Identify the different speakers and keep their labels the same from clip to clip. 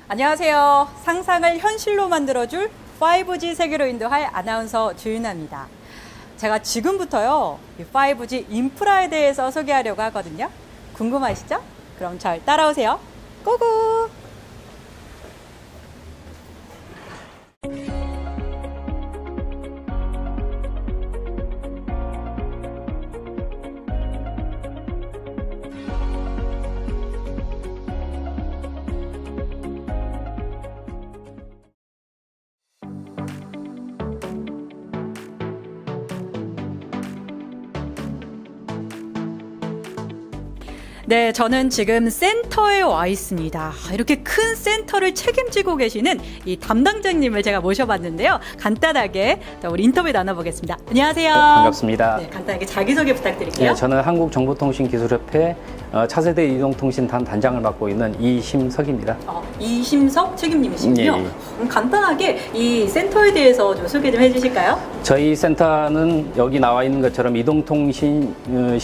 Speaker 1: 안녕하세요. 상상을 현실로 만들어줄 5G 세계로 인도할 아나운서 주윤아입니다. 제가 지금부터요, 이 5G 인프라에 대해서 소개하려고 하거든요. 궁금하시죠? 그럼 잘 따라오세요. 고고! 네, 저는 지금 센터에 와 있습니다. 이렇게 큰 센터를 책임지고 계시는 이 담당자님을 제가 모셔봤는데요. 간단하게 우리 인터뷰 나눠보겠습니다. 안녕하세요.
Speaker 2: 네, 반갑습니다.
Speaker 1: 네, 간단하게 자기소개 부탁드릴게요.
Speaker 2: 네, 저는 한국정보통신기술협회 차세대 이동통신단 단장을 맡고 있는 이심석입니다.
Speaker 1: 이심석 책임님이시군요.
Speaker 2: 예, 예.
Speaker 1: 그럼 간단하게 이 센터에 대해서 좀 소개 좀 해주실까요?
Speaker 2: 저희 센터는 여기 나와 있는 것처럼 이동통신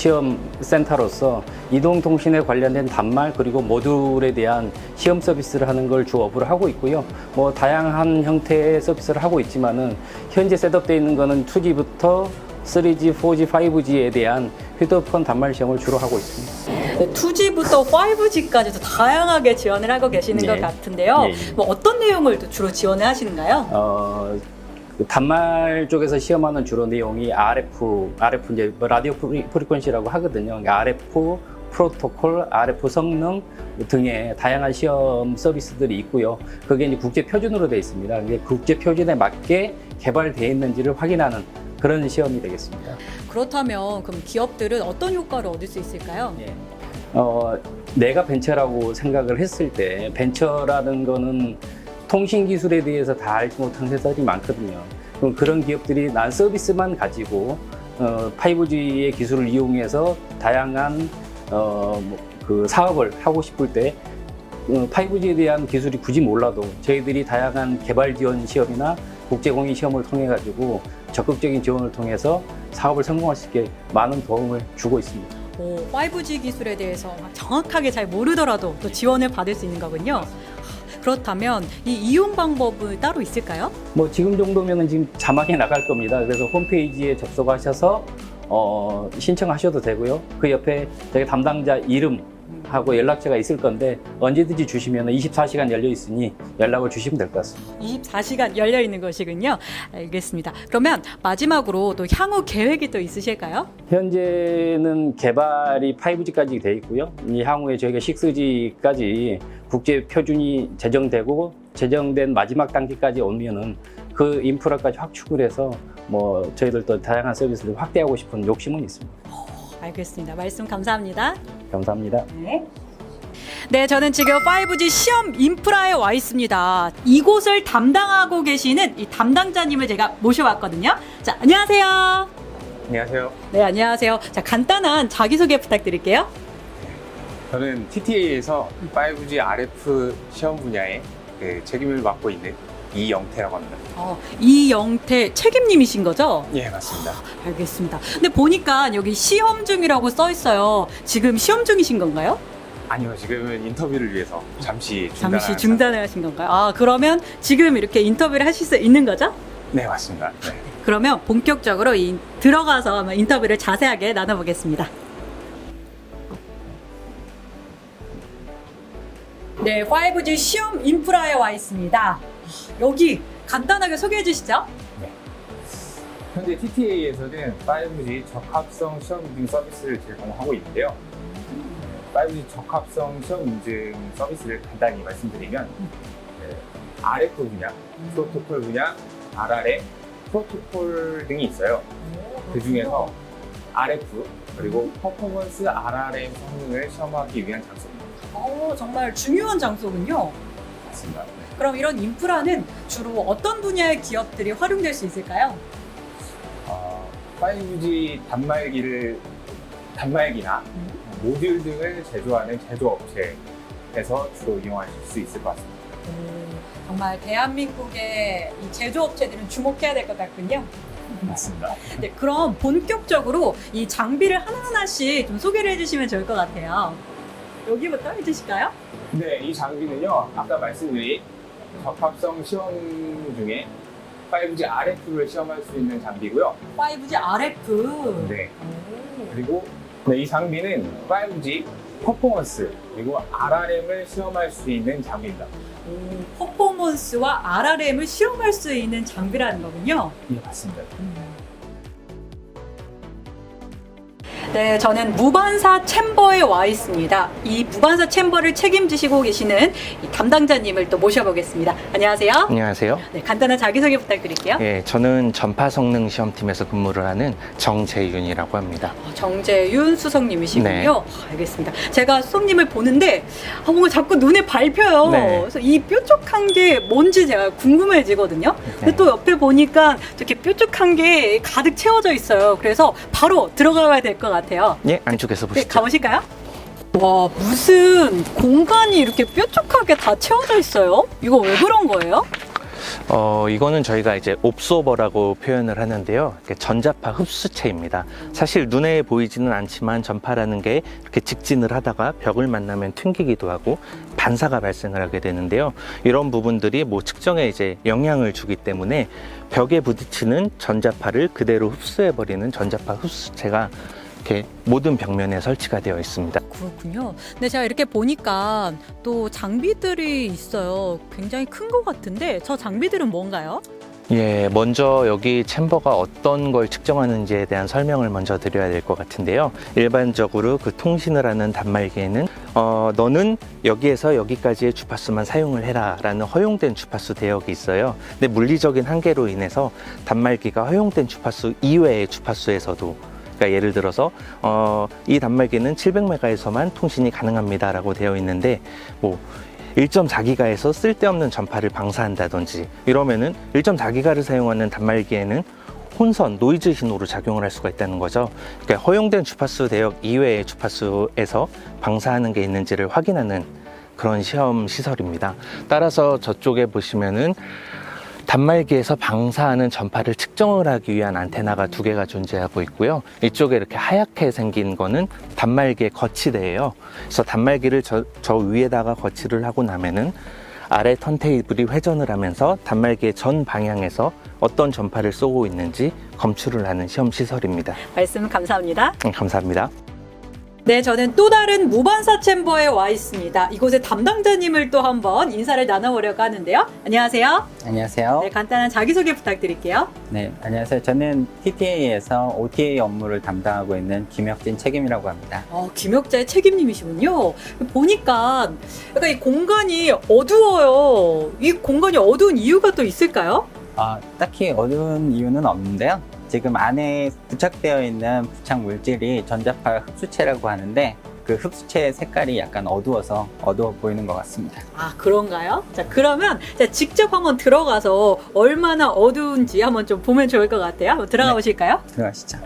Speaker 2: 시험센터로서 이동통신에 관련된 단말 그리고 모듈에 대한 시험 서비스를 하는 걸 주 업으로 하고 있고요. 뭐 다양한 형태의 서비스를 하고 있지만은 현재 셋업되어 있는 거는 2G부터 3G, 4G, 5G에 대한 휴대폰 단말 시험을 주로 하고 있습니다.
Speaker 1: 네, 2G부터 5G까지도 다양하게 지원을 하고 계시는 것 같은데요. 뭐 어떤 내용을 또 주로 지원을 하시는가요?
Speaker 2: 그 단말 쪽에서 시험하는 주로 내용이 RF 이제 뭐 라디오 프리퀀시라고 하거든요. 그러니까 RF 프로토콜, RF 성능 등의 다양한 시험 서비스들이 있고요. 그게 이제 국제 표준으로 되어 있습니다. 이게 국제 표준에 맞게 개발되어 있는지를 확인하는 그런 시험이 되겠습니다.
Speaker 1: 그렇다면 그럼 기업들은 어떤 효과를 얻을 수 있을까요?
Speaker 2: 예. 내가 벤처라고 생각을 했을 때 벤처라는 거는 통신 기술에 대해서 다 알지 못한 회사들이 많거든요. 그럼 그런 기업들이 난 서비스만 가지고 5G의 기술을 이용해서 다양한 그 사업을 하고 싶을 때 5G에 대한 기술이 굳이 몰라도 저희들이 다양한 개발 지원 시험이나 국제 공인 시험을 통해 가지고 적극적인 지원을 통해서 사업을 성공할 수 있게 많은 도움을 주고 있습니다.
Speaker 1: 5G 기술에 대해서 정확하게 잘 모르더라도 또 지원을 받을 수 있는 거군요. 그렇다면 이 이용 방법은 따로 있을까요?
Speaker 2: 뭐 지금 정도면은 지금 자막이 나갈 겁니다. 그래서 홈페이지에 접속하셔서 신청하셔도 되고요. 그 옆에 저희 담당자 이름하고 연락처가 있을 건데 언제든지 주시면 24시간 열려 있으니 연락을 주시면 될 것 같습니다.
Speaker 1: 24시간 열려 있는 것이군요. 알겠습니다. 그러면 마지막으로 또 향후 계획이 또 있으실까요?
Speaker 2: 현재는 개발이 5G까지 돼 있고요. 이 향후에 저희가 6G까지 국제 표준이 제정되고 제정된 마지막 단계까지 오면은 그 인프라까지 확충을 해서 뭐 저희들도 다양한 서비스를 확대하고 싶은 욕심은 있습니다.
Speaker 1: 알겠습니다. 말씀 감사합니다.
Speaker 2: 감사합니다.
Speaker 1: 네, 저는 지금 5G 시험 인프라에 와 있습니다. 이곳을 담당하고 계시는 이 담당자님을 제가 모셔왔거든요. 자, 안녕하세요.
Speaker 3: 안녕하세요.
Speaker 1: 네, 안녕하세요. 자, 간단한 자기소개 부탁드릴게요.
Speaker 3: 저는 TTA에서 5G RF 시험 분야에 책임을 맡고 있는 이영태라고 합니다.
Speaker 1: 이영태 책임님이신 거죠?
Speaker 3: 예, 맞습니다.
Speaker 1: 알겠습니다. 근데 보니까 여기 시험 중이라고 써 있어요. 지금 시험 중이신 건가요?
Speaker 3: 아니요, 지금은 인터뷰를 위해서 잠시
Speaker 1: 중단을 하신 건가요? 그러면 지금 이렇게 인터뷰를 하실 수 있는 거죠?
Speaker 3: 네, 맞습니다. 네.
Speaker 1: 그러면 본격적으로 들어가서 한번 인터뷰를 자세하게 나눠보겠습니다. 네, 5G 시험 인프라에 와 있습니다. 여기 간단하게 소개해 주시죠.
Speaker 3: 현재 TTA에서는 5G 적합성 시험 인증 서비스를 제공하고 있는데요. 5G 적합성 시험 인증 서비스를 간단히 말씀드리면 RF 분야, 프로토콜 분야, RRF, 프로토콜 등이 있어요. 그 중에서 RF 그리고 퍼포먼스 RRM 성능을 시험하기 위한 장소입니다.
Speaker 1: 정말 중요한 장소군요.
Speaker 3: 맞습니다. 네.
Speaker 1: 그럼 이런 인프라는 주로 어떤 분야의 기업들이 활용될 수 있을까요?
Speaker 3: 5G 단말기나 모듈 등을 제조하는 제조업체에서 주로 이용하실 수 있을 것 같습니다.
Speaker 1: 정말 대한민국의 이 제조업체들은 주목해야 될 것 같군요.
Speaker 3: 맞습니다.
Speaker 1: 네, 그럼 본격적으로 이 장비를 하나하나씩 좀 소개를 해주시면 좋을 것 같아요. 여기부터 해주실까요?
Speaker 3: 네, 이 장비는요, 아까 말씀드린 적합성 시험 중에 5G RF를 시험할 수 있는 장비고요.
Speaker 1: 5G RF.
Speaker 3: 네. 그리고 이 장비는 5G 퍼포먼스 그리고 RRM을 시험할 수 있는 장비입니다.
Speaker 1: 퍼포먼스와 RRM을 시험할 수 있는 장비라는 거군요.
Speaker 3: 예, 맞습니다.
Speaker 1: 네, 저는 무반사 챔버에 와 있습니다. 이 무반사 챔버를 책임지시고 계시는 이 담당자님을 또 모셔보겠습니다. 안녕하세요.
Speaker 4: 안녕하세요.
Speaker 1: 네, 간단한 자기소개 부탁드릴게요.
Speaker 4: 예, 저는 전파 성능 시험팀에서 근무를 하는 정재윤이라고 합니다.
Speaker 1: 정재윤 수석님이시군요.
Speaker 4: 네.
Speaker 1: 알겠습니다. 제가 수석님을 보는데 뭔가 자꾸 눈에 밟혀요.
Speaker 4: 네.
Speaker 1: 그래서 이 뾰족한 게 뭔지 제가 궁금해지거든요. 근데
Speaker 4: 네.
Speaker 1: 또 옆에 보니까 이렇게 뾰족한 게 가득 채워져 있어요. 그래서 바로 들어가야 될 것 같아요.
Speaker 4: 예, 안쪽에서
Speaker 1: 네,
Speaker 4: 보시죠.
Speaker 1: 가보실까요? 와, 무슨 공간이 이렇게 뾰족하게 다 채워져 있어요? 이거 왜 그런 거예요?
Speaker 4: 이거는 저희가 이제 옵소버라고 표현을 하는데요. 이렇게 전자파 흡수체입니다. 사실 눈에 보이지는 않지만 전파라는 게 이렇게 직진을 하다가 벽을 만나면 튕기기도 하고 반사가 발생을 하게 되는데요. 이런 부분들이 뭐 측정에 이제 영향을 주기 때문에 벽에 부딪히는 전자파를 그대로 흡수해버리는 전자파 흡수체가 이렇게 모든 벽면에 설치가 되어 있습니다.
Speaker 1: 그렇군요. 근데 제가 이렇게 보니까 또 장비들이 있어요. 굉장히 큰 것 같은데 저 장비들은 뭔가요?
Speaker 4: 예, 먼저 여기 챔버가 어떤 걸 측정하는지에 대한 설명을 먼저 드려야 될 것 같은데요. 일반적으로 그 통신을 하는 단말기에는 너는 여기에서 여기까지의 주파수만 사용을 해라 라는 허용된 주파수 대역이 있어요. 근데 물리적인 한계로 인해서 단말기가 허용된 주파수 이외의 주파수에서도, 그러니까 예를 들어서 이 단말기는 700MHz에서만 통신이 가능합니다 라고 되어 있는데, 뭐 1.4기가에서 쓸데없는 전파를 방사한다든지 이러면은 1.4기가를 사용하는 단말기에는 혼선, 노이즈 신호로 작용을 할 수가 있다는 거죠. 그러니까 허용된 주파수 대역 이외의 주파수에서 방사하는 게 있는지를 확인하는 그런 시험 시설입니다. 따라서 저쪽에 보시면은 단말기에서 방사하는 전파를 측정을 하기 위한 안테나가 2개가 존재하고 있고요. 이쪽에 이렇게 하얗게 생긴 거는 단말기의 거치대예요. 그래서 단말기를 저 위에다가 거치를 하고 나면은 아래 턴테이블이 회전을 하면서 단말기의 전 방향에서 어떤 전파를 쏘고 있는지 검출을 하는 시험 시설입니다.
Speaker 1: 말씀 감사합니다.
Speaker 4: 감사합니다.
Speaker 1: 네, 저는 또 다른 무반사 챔버에 와 있습니다. 이곳의 담당자님을 또 한번 인사를 나눠보려고 하는데요. 안녕하세요.
Speaker 5: 안녕하세요.
Speaker 1: 네, 간단한 자기소개 부탁드릴게요.
Speaker 5: 네, 안녕하세요. 저는 TTA에서 OTA 업무를 담당하고 있는 김혁진 책임이라고 합니다.
Speaker 1: 김혁자의 책임님이시군요. 보니까 약간 이 공간이 어두워요. 이 공간이 어두운 이유가 또 있을까요?
Speaker 5: 딱히 어두운 이유는 없는데요. 지금 안에 부착되어 있는 부착 물질이 전자파 흡수체라고 하는데 그 흡수체의 색깔이 약간 어두워서 어두워 보이는 것 같습니다.
Speaker 1: 아, 그런가요? 자, 그러면 제가 직접 한번 들어가서 얼마나 어두운지 한번 좀 보면 좋을 것 같아요. 한번 들어가
Speaker 5: 네.
Speaker 1: 보실까요?
Speaker 5: 들어가시죠.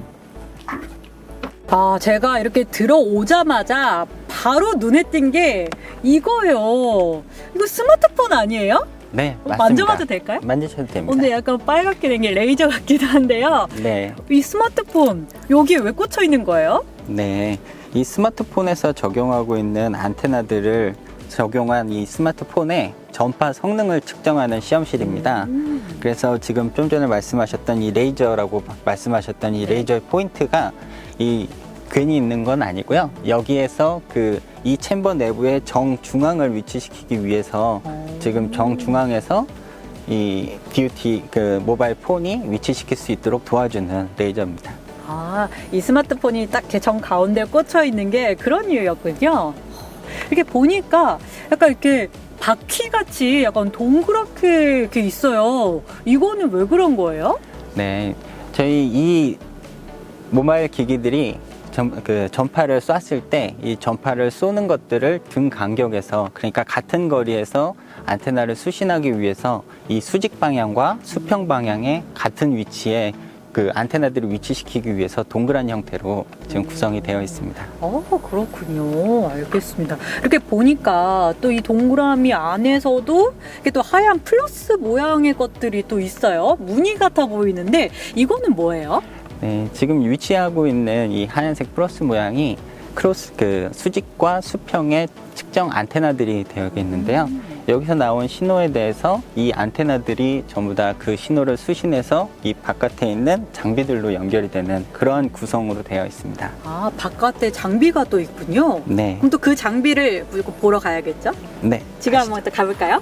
Speaker 1: 제가 이렇게 들어오자마자 바로 눈에 띈 게 이거예요. 이거 스마트폰 아니에요?
Speaker 5: 네, 맞습니다.
Speaker 1: 만져봐도 될까요?
Speaker 5: 만지셔도 됩니다.
Speaker 1: 근데 약간 빨갛게 된 게 레이저 같기도 한데요.
Speaker 5: 네,
Speaker 1: 이 스마트폰 여기에 왜 꽂혀 있는 거예요?
Speaker 5: 네. 이 스마트폰에서 적용하고 있는 안테나들을 적용한 이 스마트폰의 전파 성능을 측정하는 시험실입니다. 그래서 지금 좀 전에 말씀하셨던 이 레이저라고 말씀하셨던 이 레이저의 포인트가 괜히 있는 건 아니고요. 여기에서 이 챔버 내부의 정중앙을 위치시키기 위해서 지금 정중앙에서 이 DUT 모바일 폰이 위치시킬 수 있도록 도와주는 레이저입니다.
Speaker 1: 이 스마트폰이 딱 제 정 가운데 꽂혀 있는 게 그런 이유였군요. 이렇게 보니까 약간 이렇게 바퀴 같이 약간 동그랗게 이렇게 있어요. 이거는 왜 그런 거예요?
Speaker 5: 네, 저희 이 모바일 기기들이 전파를 쐈을 때 이 전파를 쏘는 것들을 등 간격에서, 그러니까 같은 거리에서 안테나를 수신하기 위해서 이 수직 방향과 수평 방향의 같은 위치에 그 안테나들을 위치시키기 위해서 동그란 형태로 지금 구성이 되어 있습니다.
Speaker 1: 그렇군요. 알겠습니다. 이렇게 보니까 또 이 동그라미 안에서도 이렇게 또 하얀 플러스 모양의 것들이 또 있어요. 무늬 같아 보이는데 이거는 뭐예요?
Speaker 5: 네, 지금 위치하고 있는 이 하얀색 플러스 모양이 수직과 수평의 측정 안테나들이 되어 있는데요. 여기서 나온 신호에 대해서 이 안테나들이 전부 다 그 신호를 수신해서 이 바깥에 있는 장비들로 연결이 되는 그런 구성으로 되어 있습니다.
Speaker 1: 아, 바깥에 장비가 또 있군요.
Speaker 5: 네.
Speaker 1: 그럼 또 그 장비를 무조건 보러 가야겠죠?
Speaker 5: 네.
Speaker 1: 지금 한번 또 가볼까요?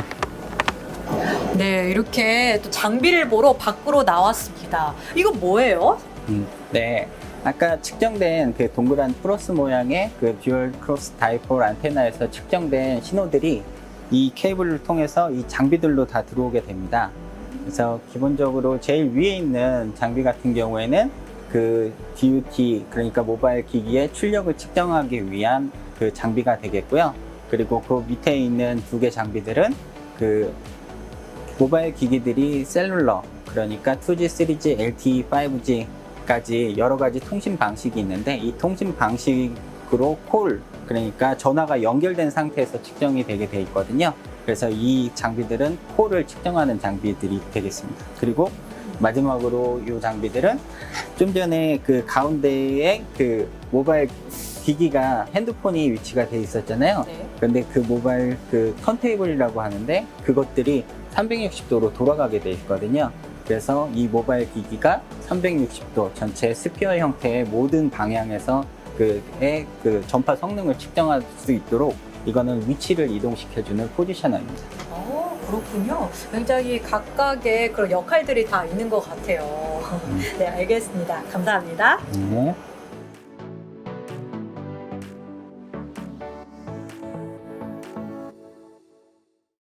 Speaker 1: 네, 이렇게 또 장비를 보러 밖으로 나왔습니다. 이거 뭐예요?
Speaker 5: 네. 아까 측정된 그 동그란 플러스 모양의 그 듀얼 크로스 다이폴 안테나에서 측정된 신호들이 이 케이블을 통해서 이 장비들로 다 들어오게 됩니다. 그래서 기본적으로 제일 위에 있는 장비 같은 경우에는 그 DUT, 그러니까 모바일 기기의 출력을 측정하기 위한 그 장비가 되겠고요. 그리고 그 밑에 있는 두 개 장비들은 그 모바일 기기들이 셀룰러, 그러니까 2G, 3G, LTE, 5G까지 여러 가지 통신 방식이 있는데 이 통신 방식으로 콜, 그러니까 전화가 연결된 상태에서 측정이 되게 돼 있거든요. 그래서 이 장비들은 콜을 측정하는 장비들이 되겠습니다. 그리고 마지막으로 이 장비들은 좀 전에 그 가운데에 그 모바일 기기가 핸드폰이 위치가 돼 있었잖아요.
Speaker 1: 네.
Speaker 5: 그런데 그 모바일 그 턴테이블이라고 하는데 그것들이 360도로 돌아가게 돼 있거든요. 그래서 이 모바일 기기가 360도 전체 스피어 형태의 모든 방향에서 그 전파 성능을 측정할 수 있도록 이거는 위치를 이동시켜주는 포지셔너입니다.
Speaker 1: 그렇군요. 굉장히 각각의 그런 역할들이 다 있는 것 같아요. 네, 알겠습니다. 감사합니다.
Speaker 5: 네.